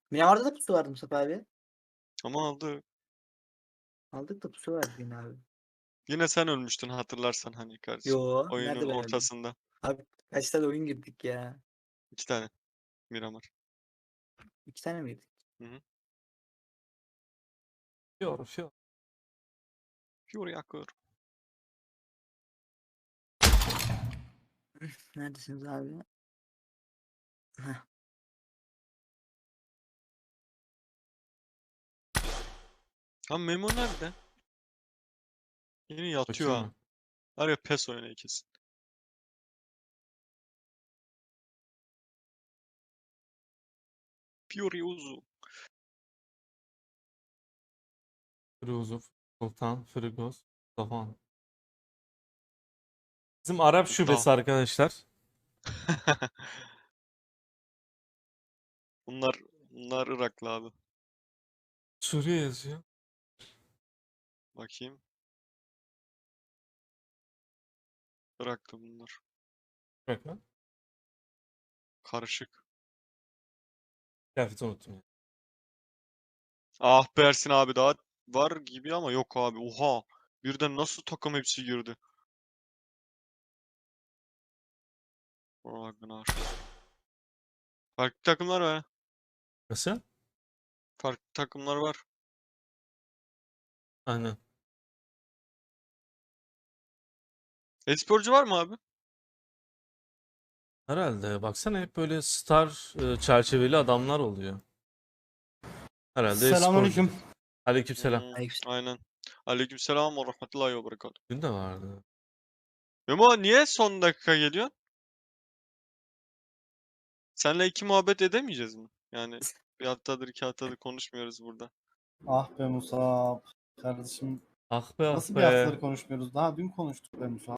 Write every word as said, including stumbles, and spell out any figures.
Miramar'da da pusu vardı Mustafa abi. Ama aldı. Aldık da pusu vardı yine abi. Yine sen ölmüştün hatırlarsan hani kardeşim. Yo, Oyunun nerede ben öldüm? ortasında. Abi kaç tane oyun girdik ya? iki tane Miramar. İki tane miydi? Hı hı. Fior, Fior. Fior yakıyor. Neredesiniz abi? Heh. Ha Memo nerede? Yine yatıyor Bakayım ha. mı? Var ya pes oynuyor kesin. Fiori Uzu. Firuzuf, Sultan, Frigos, Davan. Bizim Arap Da. şubesi arkadaşlar. Bunlar bunlar Iraklı abi. Suriye yazıyor. Bakayım. Iraklı bunlar. Bırak lan. Karışık. Kıyafeti unuttum ya. Ah be Ersin abi daha var gibi ama yok abi. Oha. Birden nasıl takım hepsi girdi. Ragnar. Farklı takımlar var. Nasıl? Farklı takımlar var. Aynen. E-sporcu var mı abi? Herhalde. Baksana hep böyle star e, çerçeveli adamlar oluyor. Herhalde sporcu. Selamünaleyküm. Aleykümselam. Hmm, Aleyküm. aynen. Aleykümselam ve rahmetullahi ve berekatuhu. Dün de vardı. Memo niye son dakika geliyor? Seninle iki muhabbet edemeyeceğiz mi? Yani bir haftadır iki haftadır konuşmuyoruz burada. Ah be Musab. Kardeşim Ah be ah nasıl bir be. haftaları konuşmuyoruz? Daha dün konuştuk be Musab.